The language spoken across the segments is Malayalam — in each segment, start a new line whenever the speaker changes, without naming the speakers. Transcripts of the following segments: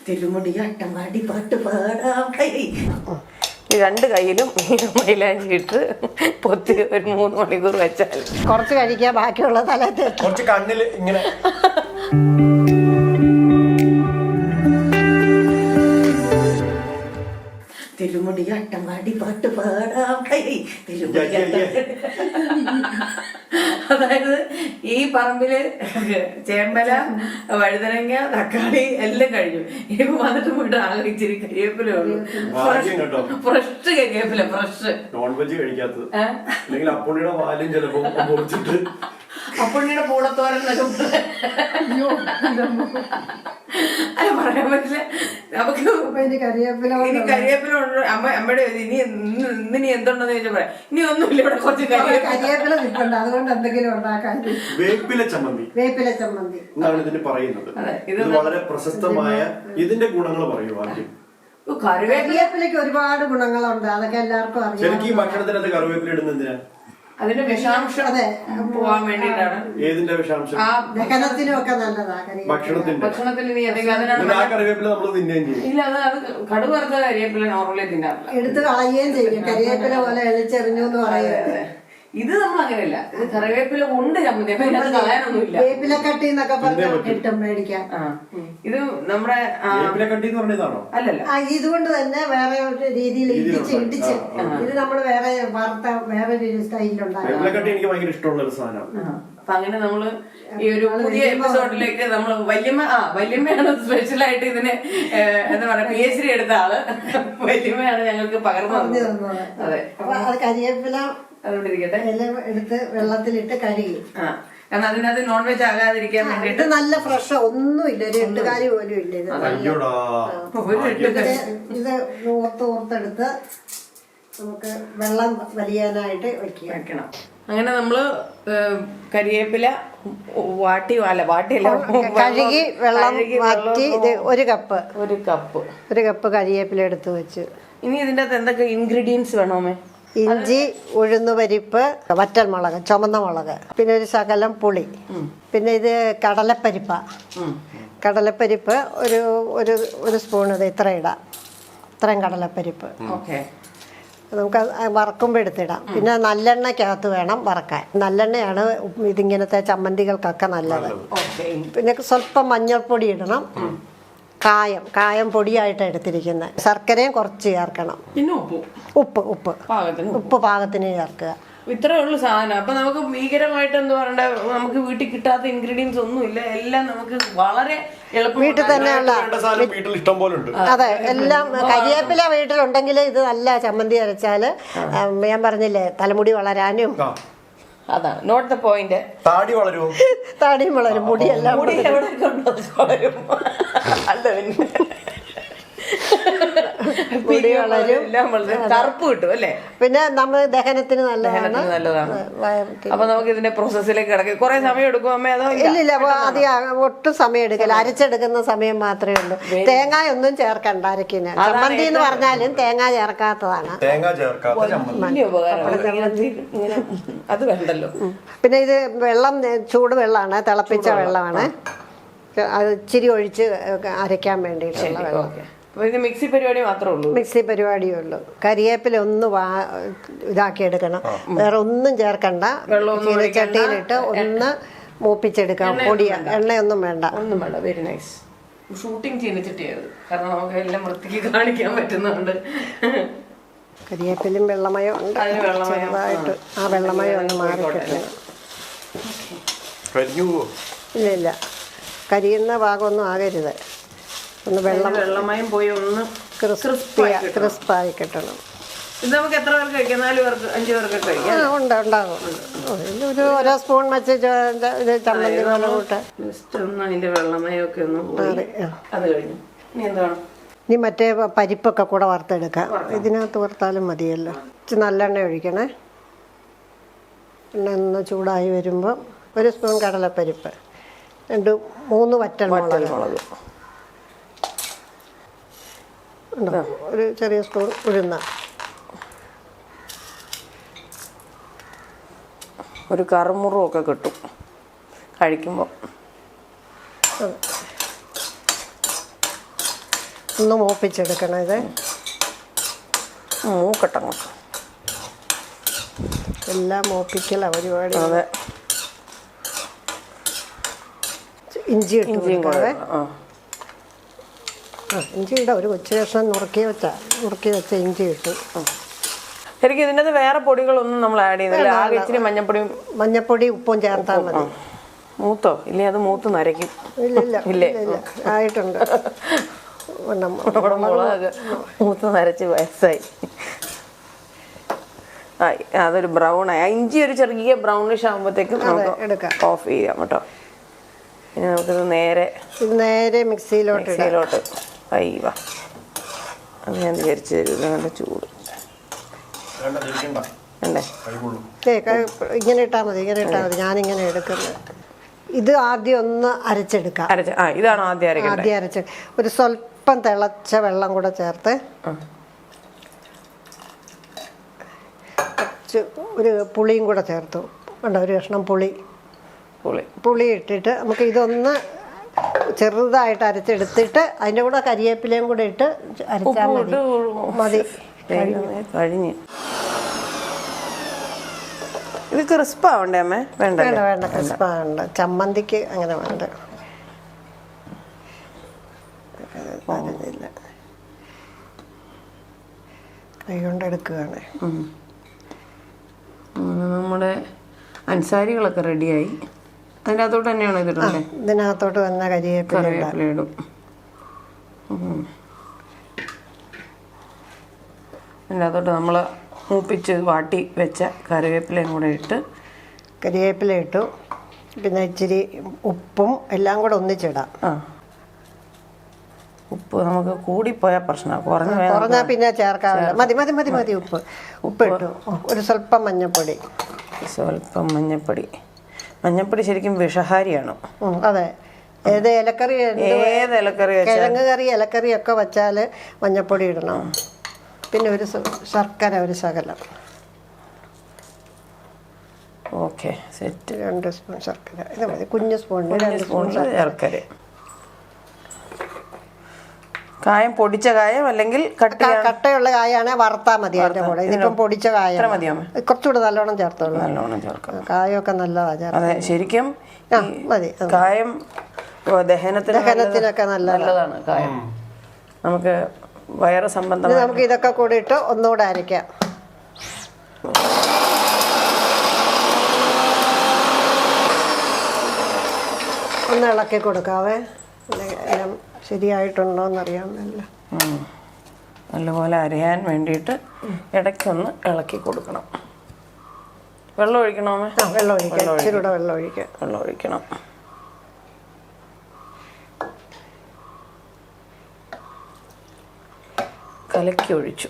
തിരുമുടി അട്ടമാടി പാട്ട് പാടാം.
രണ്ട് കയ്യിലും മൈലാഞ്ചി ഇട്ട് പൊത്തി ഒരു 3 മണിക്കൂർ വെച്ചാൽ
കുറച്ച് കഴിക്കാൻ ബാക്കിയുള്ള തലത്ത്
കുറച്ച് കണ്ണിൽ ഇങ്ങനെ
തിരുമുടി അട്ടമാടി പാട്ട് പാടാം. തിരുമുടി അതായത് ഈ പറമ്പില് ചേമ്പല, വഴുതനങ്ങ, തക്കാളി എല്ലാം കഴിഞ്ഞു. ഇനിയിപ്പോ വന്നിട്ട് പോയിട്ട് ആകെ ഇച്ചിരി കരിവേപ്പില ഉള്ളൂ. ഫ്രഷ് കരിവേപ്പില, ഫ്രഷ്.
നോൺ വെജ് കഴിക്കാത്തത് അല്ലെങ്കിൽ അപ്പുണ്ണിയുടെ പാലും ചിലപ്പോ പൊടിച്ചിട്ട്
അപ്പുണ്ണിയുടെ പൂളത്തോരൻ അല്ല പറയാൻ പറ്റില്ല നമുക്ക്. ഇനി കരിവേപ്പില അമ്മയുടെ ഇനി എന്തുണ്ടെന്ന് ചോദിച്ചാൽ പറയാം. ഇനി ഒന്നുമില്ല, ഇവിടെ കുറച്ച്
കരിവേപ്പില നിൽപ്പുണ്ട്, അതുകൊണ്ട് എന്തെങ്കിലും ഉണ്ടാക്കാൻ.
വേപ്പില ചമ്മന്തി എന്നാണ് ഇതിന് പറയുന്നത്. ഇത് വളരെ പ്രശസ്തമായ ഇതിന്റെ ഗുണങ്ങൾ പറയൂ ആദ്യം.
കറിവേപ്പിലയ്ക്ക് ഒരുപാട് ഗുണങ്ങളുണ്ട്, അതൊക്കെ എല്ലാവർക്കും അറിയാം.
ശരിക്കും ഈ ഭക്ഷണത്തിനകത്ത് കറിവേപ്പില ഇടുന്നത് എന്തിനാ?
അതിന്റെ വിഷാംശം പോവാൻ വേണ്ടിയിട്ടാണ്.
ഏതിന്റെ വിഷാംശം?
ദഹനത്തിനും ഒക്കെ നല്ലതാ
ഭക്ഷണത്തിൽ.
ആ കറിവേപ്പില നമ്മൾ തിന്നുകയും ചെയ്യും.
ഇല്ല, അത് കടുക് വറുത്ത കരിവേപ്പില നോർമലി തിന്നാറില്ല,
എടുത്ത് കളയുകയും ചെയ്യും. കരിവേപ്പില പോലെ എളിച്ചെറിഞ്ഞു എന്ന് പറയുന്നത്.
ഇത് നമ്മൾ അങ്ങനെയല്ല, ഇത് കറിവേപ്പില ഉണ്ട് ചമ്മന്തി, അപ്പൊ ഇതിനകത്ത് കളയാനൊന്നുമില്ല.
വേപ്പിലക്കട്ടി എന്നൊക്കെ പറഞ്ഞാൽ കിട്ടും മേടിക്കാൻ.
ഇത് നമ്മുടെ
വേപ്പിലക്കട്ടി എന്ന് പറഞ്ഞതാണോ?
അല്ലല്ല,
ഇതുകൊണ്ട് തന്നെ വേറെ ഒരു രീതിയിൽ ഇടിച്ച് ഇത് നമ്മൾ വേറെ വാർത്ത വേറൊരു സ്റ്റൈലിലുണ്ടാകും.
വേപ്പിലക്കട്ടി എനിക്ക് ഭയങ്കര ഇഷ്ടമുള്ള ഒരു സാധനമാണ്.
അപ്പൊ അങ്ങനെ നമ്മള് ഈ ഒരു പുതിയ എപ്പിസോഡിലേക്ക് നമ്മള് വല്യമ്മയാണ് സ്പെഷ്യലായിട്ട് ഇതിന് എന്താ പറയാ PhD എടുത്ത ആള്. വല്യമ്മയാണ് ഞങ്ങൾക്ക് പകർന്നു തന്നത്. അതെ,
അപ്പൊ അത് കരിവേപ്പില
അതുകൊണ്ട് ഇരിക്കട്ടെ,
എടുത്ത് വെള്ളത്തിലിട്ട് കഴുകി.
കാരണം അതിനകത്ത് നോൺ വെജ് ആകാതിരിക്കാൻ വേണ്ടിട്ട്.
നല്ല ഫ്രഷ് ഒന്നുമില്ല, ഒരു എട്ടുകാരി പോലും ഇല്ല. ഇത് ഓർത്തെടുത്ത് നമുക്ക് വെള്ളം വലിയാനായിട്ട് വെക്കണം.
അങ്ങനെ നമ്മള് കരിവേപ്പില വാട്ടിയല്ല
കഴുകി വെള്ളം മാറ്റി ഇത് ഒരു കപ്പ് കരിവേപ്പില എടുത്ത് വെച്ച്.
ഇനി ഇതിന്റെ അകത്ത് എന്തൊക്കെ ഇൻഗ്രീഡിയൻസ് വേണോമേ?
ഇഞ്ചി, ഉഴുന്നുപരിപ്പ്, വറ്റൽമുളക്, ചുമന്ന മുളക്, പിന്നെ ഒരു ശകലം പുളി, പിന്നെ ഇത് കടലപ്പരിപ്പ് ഒരു സ്പൂൺ, ഇത് ഇത്രയും കടലപ്പരിപ്പ്. നമുക്ക് വറക്കുമ്പോൾ എടുത്തിടാം. പിന്നെ നല്ലെണ്ണയ്ക്കകത്ത് വേണം വറക്കാൻ. നല്ലെണ്ണയാണ് ഇതിങ്ങനത്തെ ചമ്മന്തികൾക്കൊക്കെ നല്ലത്. പിന്നെ സ്വല്പം മഞ്ഞൾപ്പൊടി ഇടണം. കായം പൊടിയായിട്ടാണ് എടുത്തിരിക്കുന്നത്. ശർക്കരയും കുറച്ച് ചേർക്കണം.
പിന്നെ
ഉപ്പ് പാകത്തിന് ചേർക്കുക.
ഇത്രേ ഉള്ളു സാധനം. അപ്പൊ നമുക്ക് ഭീകരമായിട്ട് എന്താ പറയണ്ട, നമുക്ക് വീട്ടിൽ കിട്ടാത്ത ഇൻഗ്രീഡിയൻസ് ഒന്നുമില്ല, എല്ലാം നമുക്ക് വളരെ
വീട്ടിൽ തന്നെയുള്ള. അതെ, എല്ലാം കരിവേപ്പില വീട്ടിലുണ്ടെങ്കിൽ ഇത് നല്ല ചമ്മന്തി അരച്ചാല് ഞാൻ പറഞ്ഞില്ലേ തലമുടി വളരാനും.
അതാണ് നോട്ട് ദ പോയിന്റ്.
താടിയും വളരും, മുടിയെല്ലാം
കറുപ്പ് കിട്ടും അല്ലേ?
പിന്നെ നമ്മൾ ദഹനത്തിന് നല്ലതാണ്.
അപ്പൊ നമുക്ക് ഇതിന്റെ പ്രോസസ്സിലേക്ക് കിടക്കും. കുറെ സമയം എടുക്കും അമ്മ? അതോ
ഇല്ലില്ല, അധികം ഒട്ടും സമയം എടുക്കില്ല. അരച്ചെടുക്കുന്ന സമയം മാത്രമേ ഉള്ളൂ. തേങ്ങ ഒന്നും ചേർക്കണ്ട അരക്കിന്. ചമ്മന്തി എന്ന് പറഞ്ഞാലും തേങ്ങ ചേർക്കാത്തതാണ്.
അത് വേണ്ടല്ലോ.
പിന്നെ ഇത് വെള്ളം ചൂട് വെള്ളമാണ്, തിളപ്പിച്ച വെള്ളമാണ്. അത് ഇച്ചിരി ഒഴിച്ച് അരയ്ക്കാൻ വേണ്ടിയിട്ടുള്ള വെള്ളം.
മിക്സി പരിപാടി മാത്രമേ ഉള്ളൂ.
മിക്സി പരിപാടിയേ ഉള്ളൂ. കരിവേപ്പില ഒന്ന് ഇതാക്കി എടുക്കണം, വേറെ ഒന്നും ചേർക്കണ്ട. ചീനച്ചട്ടിയിലിട്ട് ഒന്ന് മൂപ്പിച്ചെടുക്കാം. എണ്ണയൊന്നും വേണ്ട.
Very nice. ഷൂട്ടിംഗ് ചീനച്ചട്ടിയായത്, കാരണം നമുക്ക് എല്ലാം വൃത്തിക്ക് കാണിക്കാൻ പറ്റുന്നുണ്ട്.
കരിവേപ്പിലും വെള്ളമയം ഉണ്ട് ചെറുതായിട്ട്. ആ വെള്ളമയം ഒന്ന് മാറിക്കിട്ടണം. ഇല്ല, കരിയുന്ന ഭാഗമൊന്നും ആകരുത്. ഒന്ന് വെള്ളമയം
പോയി ഒന്ന്
ക്രിസ്പായി കിട്ടണം.
ഇത് നമുക്ക് എത്ര പേർക്ക് കഴിക്കാം? 4 പേർക്ക് 5 പേർക്ക് കഴിക്കാം.
ഉണ്ടാകും. ഓരോ സ്പൂൺ വെച്ച് ചമ്മന്തി പോലെ കൂട്ടാൻ.
അതിന്റെ വെള്ളമയൊക്കെ ഒന്ന് അത് കഴിഞ്ഞു. ഇനി എന്താണ്?
ഇനി മറ്റേ പരിപ്പൊക്കെ കൂടെ വറുത്തെടുക്കാം. ഇതിനകത്ത് വറുത്താലും മതിയല്ലോ. ഇച്ചിരി നല്ലെണ്ണ ഒഴിക്കണേ. എണ്ണ ഒന്ന് ചൂടായി വരുമ്പോൾ 1 സ്പൂൺ കടലപ്പരിപ്പ്, 2-3 വറ്റൽമുളക്, ഒരു ചെറിയ സ്പൂൺ ഉഴുന്ന,
ഒരു കറുമുറുമൊക്കെ കിട്ടും കഴിക്കുമ്പോൾ.
ഒന്ന് മൂപ്പിച്ചെടുക്കണം ഇത്.
മൂക്കട്ടങ്ങോട്ട്
എല്ലാം മൂപ്പിക്കല പരിപാടി.
അതെ.
ഇഞ്ചി ഇട്ട് കൊടുക്കാവേ.
ആ
ഇഞ്ചി ഇടാം. ഒരു കൊച്ചു കഷ്ണം നുറുക്കി വെച്ച ഇഞ്ചി ഇട്ടു.
ശരിക്കും ഇതിനകത്ത് വേറെ പൊടികളൊന്നും നമ്മൾ ആഡ് ചെയ്യുന്നില്ല. ആകെ ഇച്ചിരി
മഞ്ഞപ്പൊടി ഉപ്പും ചേർത്താൽ മതി.
മൂത്തോ ഇല്ലേ? അത് മൂത്ത് നരയ്ക്കും.
ഇല്ലേ ആയിട്ടുണ്ട്.
നമ്മുടെ മുളക് മൂത്ത് നരച്ച് വയസ്സായി. അതൊരു ബ്രൗൺ ആയി. ഇഞ്ചി ഒരു ചെറിയ ബ്രൗണിഷ് ആകുമ്പോഴത്തേക്കും നമുക്ക് ഓഫ് ചെയ്യാം കേട്ടോ. ഇനി നമുക്കിത് നേരെ മിക്സിയിലോട്ട് അയ്യവാ. അത് ഞാൻ വിചാരിച്ചു തരും. നല്ല ചൂട് അല്ലേ?
ഇങ്ങനെ ഇട്ടാൽ മതി. ഞാനിങ്ങനെ എടുക്കുന്നത്. ഇത് ആദ്യം ഒന്ന് അരച്ചെടുക്കാം.
ഇതാണ് ആദ്യം
അരച്ച് ഒരു സ്വല്പം തിളച്ച വെള്ളം കൂടെ ചേർത്ത് ഒരു പുളിയും കൂടെ ചേർത്തു. ഒരു കഷ്ണം പുളി ഇട്ടിട്ട് നമുക്ക് ഇതൊന്ന് ചെറുതായിട്ട് അരച്ചെടുത്തിട്ട് അതിൻ്റെ കൂടെ കരിവേപ്പിലയും കൂടെ ഇട്ട് അരച്ചാൽ മതി.
കഴിഞ്ഞ് ഇത് ക്രിസ്പാവണ്ടേ അമ്മേ?
വേണ്ട ക്രിസ്പാവണ്ട. ചമ്മന്തിക്ക് അങ്ങനെ വേണ്ട. കൈ കൊണ്ടെടുക്കുകയാണ്.
നമ്മുടെ അൻസാരികളൊക്കെ റെഡിയായി. അതിനകത്തോട്ട് തന്നെയാണ് ഇതിടുന്നത്.
ഇതിനകത്തോട്ട് വന്ന കരിവേപ്പില
ഇടും. അതിനകത്തോട്ട് നമ്മൾ മൂപ്പിച്ച് വാട്ടി വെച്ച കറിവേപ്പിലയും കൂടെ
കരിവേപ്പില ഇട്ടു. പിന്നെ ഇച്ചിരി ഉപ്പും എല്ലാം കൂടെ ഒന്നിച്ചിടാം.
ഉപ്പ് നമുക്ക് കൂടിപ്പോയാൽ പ്രശ്നമാണ്.
കുറഞ്ഞാൽ പിന്നെ ചേർക്കാവില്ല. മതി. ഉപ്പ് ഇട്ടു. ഒരു സ്വല്പം മഞ്ഞപ്പൊടി ശരിക്കും വിഷഹാരിയാണ്. അതെ. ഏത് ഇലക്കറി കിഴങ്ങ് കറി ഇലക്കറി ഒക്കെ വെച്ചാൽ മഞ്ഞപ്പൊടി ഇടണം. പിന്നെ ഒരു ശർക്കര ഒരു ശകലം.
Okay set.
2 സ്പൂൺ ശർക്കര. ഇത് മതി. കുഞ്ഞു സ്പൂണിന് 2 സ്പൂൺ
ശർക്കര. കായം പൊടിച്ച കായം അല്ലെങ്കിൽ
കട്ടയുള്ള കായാണ് വറുത്താൽ മതി. അതിൻ്റെ കൂടെ ഇതിപ്പം പൊടിച്ച കായം കുറച്ചുകൂടെ നല്ലോണം ചേർത്തോളൂ. കായമൊക്കെ നല്ലതാണ്.
അതെ ശരിക്കും
മതി.
കായം
ദഹനത്തിനൊക്കെ
നല്ലതാണ് കായം. നമുക്ക് വയറ് സംബന്ധം.
നമുക്ക് ഇതൊക്കെ കൂടി ഇട്ട് ഒന്നുകൂടെ അരയ്ക്കാം. ഒന്ന് ഇളക്കി കൊടുക്കാവേ. എല്ലാം ശരിയായിട്ടുണ്ടോയെന്നറിയാൻ
നല്ലപോലെ അരയാൻ വേണ്ടിയിട്ട് ഇടയ്ക്കൊന്ന് ഇളക്കി കൊടുക്കണം. വെള്ളം ഒഴിക്കണോ?
വെള്ളം ഒഴിക്കണം.
കലക്കി ഒഴിച്ചു.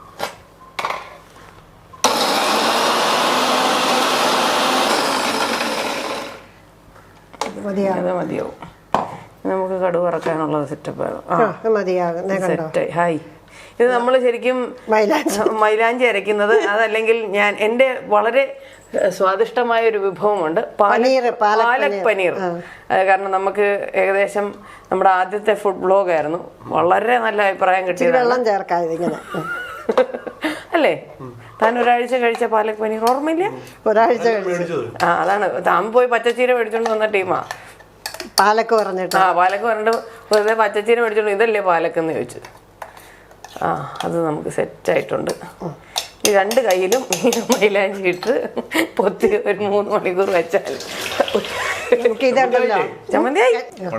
മതിയാവും. നമുക്ക് കടുക് വറക്കാനുള്ള സെറ്റപ്പ് സെറ്റായി. ഹായ്. ഇത് നമ്മൾ ശരിക്കും മൈലാഞ്ചി അരയ്ക്കുന്നത്. അതല്ലെങ്കിൽ എൻ്റെ വളരെ സ്വാദിഷ്ടമായ ഒരു വിഭവമുണ്ട്, പാലക് പനീർ. കാരണം നമുക്ക് ഏകദേശം നമ്മുടെ ആദ്യത്തെ ഫുഡ് ബ്ലോഗ് ആയിരുന്നു. വളരെ നല്ല അഭിപ്രായം കിട്ടിയത്. അല്ലേ? താൻ ഒരാഴ്ച കഴിച്ച പാലക് പനീർ ഓർമ്മയില്ല?
ഒരാഴ്ച
അതാണ്. താൻ പോയി പച്ചച്ചീര മേടിച്ചോണ്ട് വന്ന ടീമാ.
പാലക്ക് പറഞ്ഞിട്ട്
വെറുതെ പച്ചച്ചീര മേടിച്ചോണ്ട് ഇതല്ലേ പാലക്കെന്ന് ചോദിച്ചു. അത് നമുക്ക് സെറ്റായിട്ടുണ്ട്. ഈ 2 കയ്യിലും മൈലാഞ്ചി ഇട്ട് പൊത്തി ഒരു 3 മണിക്കൂർ വെച്ചാൽ ചമ്മന്തിയായി.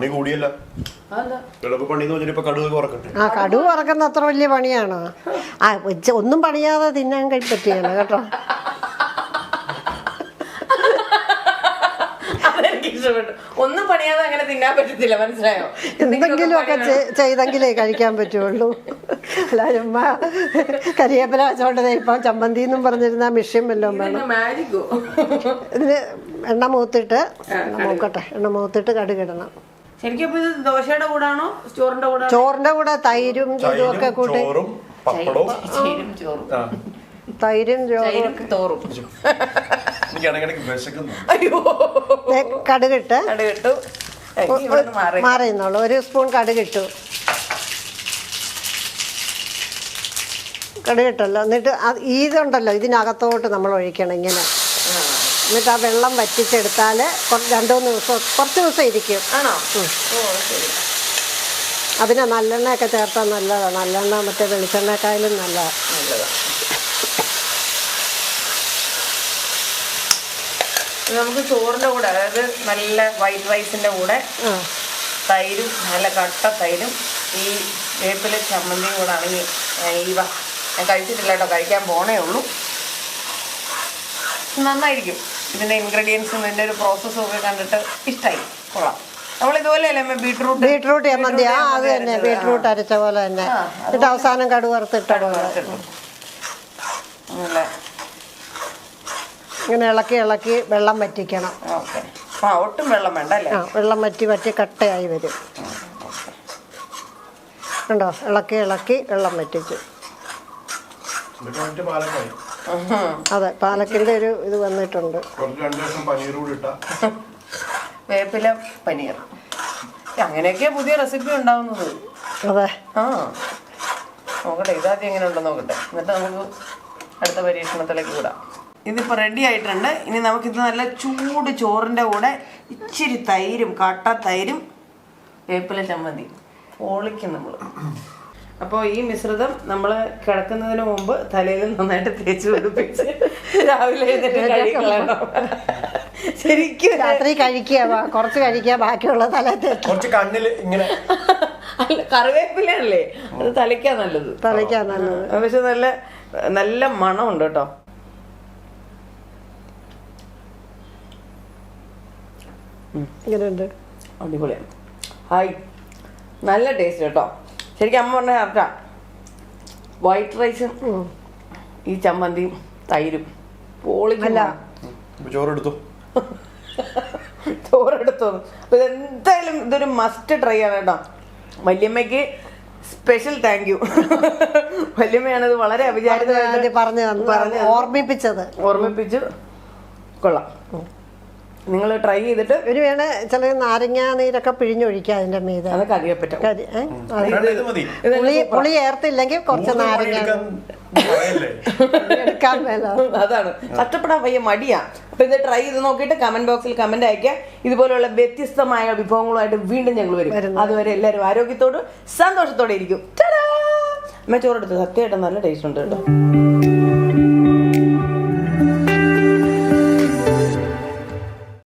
കടുക് വറക്കുന്ന അത്ര വലിയ പണിയാണോ? ഒന്നും പണിയാതെ തിന്നാൻ പറ്റിയാണ് കേട്ടോ.
ഒന്നും പണിയാതെ അങ്ങനെ തിന്നാൻ പറ്റത്തില്ല, മനസ്സിലായോ?
എന്തെങ്കിലുമൊക്കെ ചെയ്തെങ്കിലേ കഴിക്കാൻ പറ്റുള്ളൂ. എല്ലാവരും കരിവേപ്പില വെച്ചോണ്ടത് ഇപ്പം ചമ്മന്തി എന്നും പറഞ്ഞിരുന്ന മിഷ്യം വല്ലതും വേണം. ഇതിന് എണ്ണ മൂത്തിട്ട് കടുകിടണം.
ശരിക്കും ഇത് ദോശയുടെ കൂടാണോ
ചോറിന്റെ കൂടെ? തൈരും ഇതും ഒക്കെ കൂട്ടി. തൈരും ചോറും കടുകിട്ട് മാറിയുന്നുള്ളൂ. 1 സ്പൂൺ കടുകിട്ടു. കടുകിട്ടല്ലോ. എന്നിട്ട് ഇതുണ്ടല്ലോ ഇതിനകത്തോട്ട് നമ്മൾ ഒഴിക്കണം ഇങ്ങനെ. എന്നിട്ട് ആ വെള്ളം വറ്റിച്ചെടുത്താൽ 2-3 ദിവസം, കുറച്ച് ദിവസം ഇരിക്കും.
ആണോ? ഓ ശരി.
അതിന് നല്ലെണ്ണയൊക്കെ ചേർത്താൽ നല്ലതാണ്. നല്ലെണ്ണ മറ്റേ വെളിച്ചെണ്ണക്കായാലും നല്ലതാണ്.
നമുക്ക് ചോറിൻ്റെ കൂടെ, അതായത് നല്ല വൈറ്റ് റൈസിൻ്റെ കൂടെ തൈരും, നല്ല കട്ട തൈരും ഈ വേപ്പില ചമ്മന്തിയും കൂടെ ആണെങ്കിൽ ഞാൻ കഴിച്ചിട്ടില്ല കേട്ടോ, കഴിക്കാൻ പോണേ ഉള്ളൂ. നന്നായിരിക്കും. ഇതിൻ്റെ ഇൻഗ്രീഡിയൻസും ഇതിൻ്റെ ഒരു പ്രോസസ്സും ഒക്കെ കണ്ടിട്ട് ഇഷ്ടമായി, കൊള്ളാം. നമ്മളിതുപോലെ അല്ലേ
ബീട്രൂട്ട് ചമ്മന്തി? അത് തന്നെ, ബീട്രൂട്ട് അരച്ച പോലെ തന്നെ. എന്നിട്ട് അവസാനം കടുക് വറുത്തിട്ട പോലെ ഇങ്ങനെ ഇളക്കി വെള്ളം വറ്റിക്കണം.
ഓക്കെ. ഒട്ടും വെള്ളം വേണ്ട അല്ലേ?
വെള്ളം വറ്റി കട്ടയായി വരും. കണ്ടോ? ഇളക്കി വെള്ളം വറ്റിച്ചു. അതെ, പാലക്കിന്റെ ഒരു ഇത് വന്നിട്ടുണ്ട്.
വേപ്പില പനീർ, അങ്ങനെയൊക്കെയാ പുതിയ റെസിപ്പി ഉണ്ടാവുന്നത്.
അതെ.
നോക്കട്ടെ ഇതാദ്യം എങ്ങനെ ഉണ്ടെന്ന് നോക്കട്ടെ, എന്നിട്ട് നമുക്ക് അടുത്ത പരീക്ഷണത്തിലേക്ക് വിടാം. ഇതിപ്പോൾ റെഡി ആയിട്ടുണ്ട്. ഇനി നമുക്കിത് നല്ല ചൂട് ചോറിൻ്റെ കൂടെ ഇച്ചിരി തൈരും, കട്ട തൈരും, വേപ്പില ചമ്മന്തി പൊളിക്കും നമ്മൾ. അപ്പോൾ ഈ മിശ്രിതം നമ്മൾ കിടക്കുന്നതിന് മുമ്പ് തലയിൽ നന്നായിട്ട് തേച്ച് പിടിപ്പിച്ച് രാവിലെ എഴുന്നേറ്റ് കഴിക്കണം. ശരിക്കും
രാത്രി കഴിക്കുക, കുറച്ച് കഴിക്കുക, ബാക്കിയുള്ള തല
കുറച്ച് കണ്ണിൽ ഇങ്ങനെ.
അല്ല, കറിവേപ്പിലല്ലേ അത് തലയ്ക്കാ നല്ലത്. പക്ഷെ നല്ല നല്ല മണമുണ്ട് കേട്ടോ.
ഇങ്ങനെയുണ്ട്,
അടിപൊളിയാണ്. ഹായ്, നല്ല ടേസ്റ്റ് കേട്ടോ. ശരിക്കും അമ്മ പറഞ്ഞ കറക്റ്റാ. വൈറ്റ് റൈസും ഈ ചമ്മന്തിയും തൈരും പൊളിക്കല്ല.
ചോറെടുത്തു.
അപ്പൊ ഇതെന്തായാലും ഇതൊരു മസ്റ്റ് ട്രൈ ആണ് കേട്ടോ. വല്യമ്മയ്ക്ക് സ്പെഷ്യൽ താങ്ക് യു. വല്യമ്മയാണ് ഇത് വളരെ അവിചാരിതമായിട്ട് ഓർമ്മിപ്പിച്ചു. കൊള്ളാം. നിങ്ങൾ ട്രൈ ചെയ്തിട്ട്
ഒരു വേണേ ചില നാരങ്ങ നീരൊക്കെ പിഴിഞ്ഞൊഴിക്കുക അതിന്റെ മീതെ.
അതൊക്കെ അറിയപ്പെട്ടു.
പുളി ഏർത്തില്ലെങ്കിൽ കുറച്ച് നാരങ്ങ എടുക്കാൻ മേല.
അതാണ്, കഷ്ടപ്പെടാൻ വയ്യ, മടിയാ. അപ്പൊ ഇത് ട്രൈ ചെയ്ത് നോക്കിയിട്ട് കമന്റ് ബോക്സിൽ കമന്റ് അയക്കുക. ഇതുപോലുള്ള വ്യത്യസ്തമായ വിഭവങ്ങളുമായിട്ട് വീണ്ടും ഞങ്ങൾ വരും. അതുവരെ എല്ലാവരും ആരോഗ്യത്തോടും സന്തോഷത്തോടെ ഇരിക്കും. അമ്മ ചോറെടുത്ത് സത്യമായിട്ട് നല്ല ടേസ്റ്റ് ഉണ്ട് കേട്ടോ.